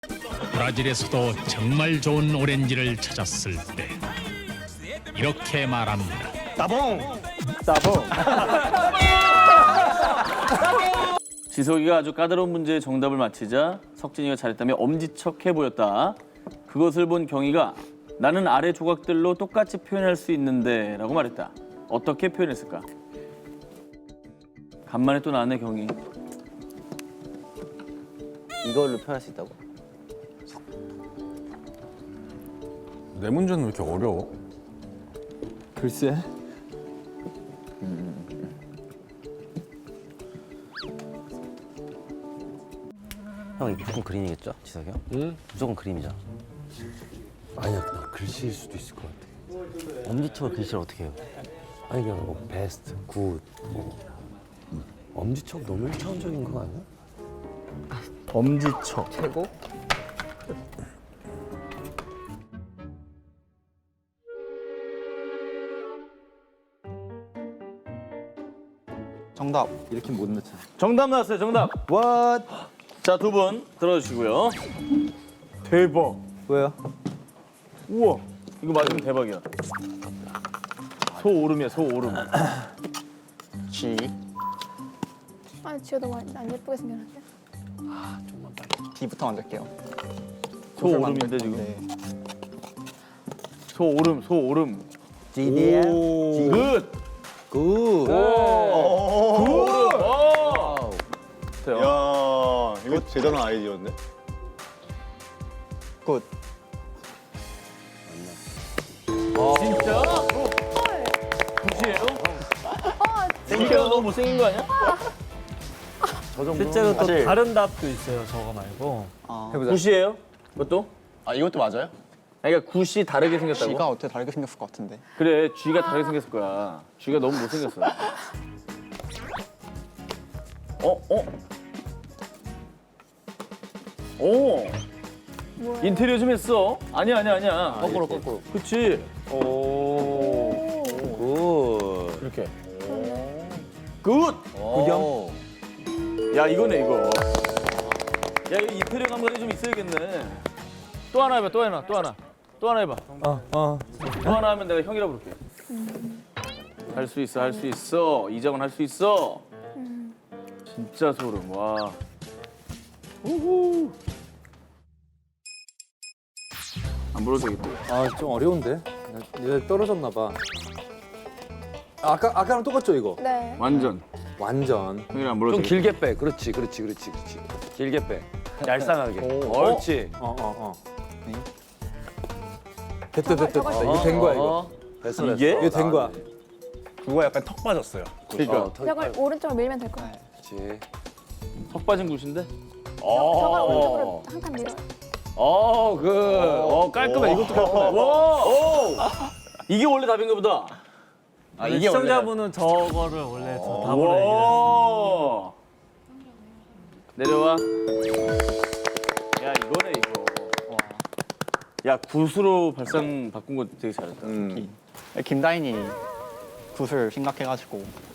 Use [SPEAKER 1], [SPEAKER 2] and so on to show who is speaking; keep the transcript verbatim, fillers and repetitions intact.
[SPEAKER 1] 브라질에서도 정말 좋은 오렌지를 찾았을 때 이렇게 말합니다.
[SPEAKER 2] 따봉.
[SPEAKER 3] 따봉. 지석이가 아주 까다로운 문제의 정답을 맞히자 석진이가 잘했다며 엄지척해 보였다. 그것을 본 경희가 나는 아래 조각들로 똑같이 표현할 수 있는데 라고 말했다. 어떻게 표현했을까? 간만에 또 나왔네 경희.
[SPEAKER 4] 이걸로 표현할 수 있다고?
[SPEAKER 2] 내 문제는 왜 이렇게 어려워?
[SPEAKER 4] 글쎄. 형 이거 무조건 그림이겠죠? 지석이 형? 응? 무조건 그림이잖아.
[SPEAKER 5] 아니야, 나 글씨일 수도 있을 것 같아.
[SPEAKER 4] 엄지척을 글씨를 어떻게 해요?
[SPEAKER 5] 아니 그냥 뭐 베스트, 굿, 뭐 엄지척 너무 일차원적인 거 아니야?
[SPEAKER 3] 엄지척.
[SPEAKER 4] 최고?
[SPEAKER 6] 정답. 이렇게 못 넣잖아.
[SPEAKER 3] 정답 나왔어요. 정답.
[SPEAKER 6] What?
[SPEAKER 3] 자, 두 분 들어주시고요. 대박.
[SPEAKER 6] 왜요?
[SPEAKER 3] 우와. 이거 맞으면 대박이야. 소오름이야, 소오름.
[SPEAKER 6] G.
[SPEAKER 7] 아, 지효 너무 안, 안 예쁘게 생겼는데?
[SPEAKER 6] D부터 만들게요.
[SPEAKER 3] 소오름인데 지금. 소오름, 소오름.
[SPEAKER 6] G D야.
[SPEAKER 3] 굿.
[SPEAKER 6] 굿.
[SPEAKER 3] 굿. 오.
[SPEAKER 2] 야, 이거 대단한 아이디어인데?
[SPEAKER 6] 굿.
[SPEAKER 3] 진짜? 굿이에요? 생겨서 너무 못생긴 거 아니야?
[SPEAKER 8] 실제로 또
[SPEAKER 6] 사실-
[SPEAKER 8] 다른 답도 있어요. 저거 말고.
[SPEAKER 6] 아,
[SPEAKER 3] 굿이에요? 그것도?
[SPEAKER 2] 아, 이것도 맞아요?
[SPEAKER 3] 아니, 그러니까 굿이 다르게 생겼다고?
[SPEAKER 6] G가 어떻게 다르게 생겼을 것 같은데.
[SPEAKER 3] 그래, G가 다르게 생겼을 거야. G가 너무 못생겼어. 어? 어? 오!
[SPEAKER 7] 뭐야?
[SPEAKER 3] 인테리어 좀 했어? 아니야, 아니야, 아니야.
[SPEAKER 4] 거꾸로 거꾸로.
[SPEAKER 3] 그치? 오.
[SPEAKER 4] 굿.
[SPEAKER 3] 이렇게. 굿!
[SPEAKER 4] 구경?
[SPEAKER 3] 야, 이거네, 이거. 야, 이거 인테리어 감각이 좀 있어야겠네. 또 하나 해봐, 또 하나, 또 하나. 또 하나 해봐.
[SPEAKER 8] 어, 어.
[SPEAKER 3] 또 하나 하면 내가 형이라고 부를게. 할 수 있어, 할 수 있어. 이정은 할 수 있어. 진짜 소름, 와. 우후. 안 불러도 되겠다.
[SPEAKER 5] 아, 좀 어려운데? 얘 떨어졌나 봐. 아까 아까랑 똑같죠 이거?
[SPEAKER 7] 네.
[SPEAKER 3] 완전.
[SPEAKER 5] 완전.
[SPEAKER 3] 형이랑 안 불러도
[SPEAKER 5] 좀
[SPEAKER 3] 되겠다.
[SPEAKER 5] 길게 빼. 그렇지, 그렇지, 그렇지, 그렇지. 길게 빼. 얄쌍하게. 옳지. 어, 어, 어. 됐다, 됐다, 됐다.
[SPEAKER 7] 저거-
[SPEAKER 5] 이게 된 거야 이거.
[SPEAKER 3] 어?
[SPEAKER 5] 됐어, 됐어.
[SPEAKER 3] 이게?
[SPEAKER 5] 이게 된 거야.
[SPEAKER 2] 그거 약간 턱 빠졌어요.
[SPEAKER 3] 그러니까.
[SPEAKER 5] 어, 더-
[SPEAKER 7] 저걸 오른쪽으로 밀면 될 거야.
[SPEAKER 5] 그렇지.
[SPEAKER 3] 턱 빠진 굿인데?
[SPEAKER 7] 저걸 오른쪽으로 한 칸 밀어요.
[SPEAKER 3] 어, 그, 어, 깔끔해. 이것도 깔끔해. 와, 오! 이게 원래 답인가 보다.
[SPEAKER 8] 아, 시청자분은 저거를 원래 저 답으로
[SPEAKER 3] 와. 내려와. 야, 이거네, 이거. 야, 굿으로 발상 바꾼 거 되게 잘했다.
[SPEAKER 2] 음.
[SPEAKER 6] 김다인이 굿을 생각해가지고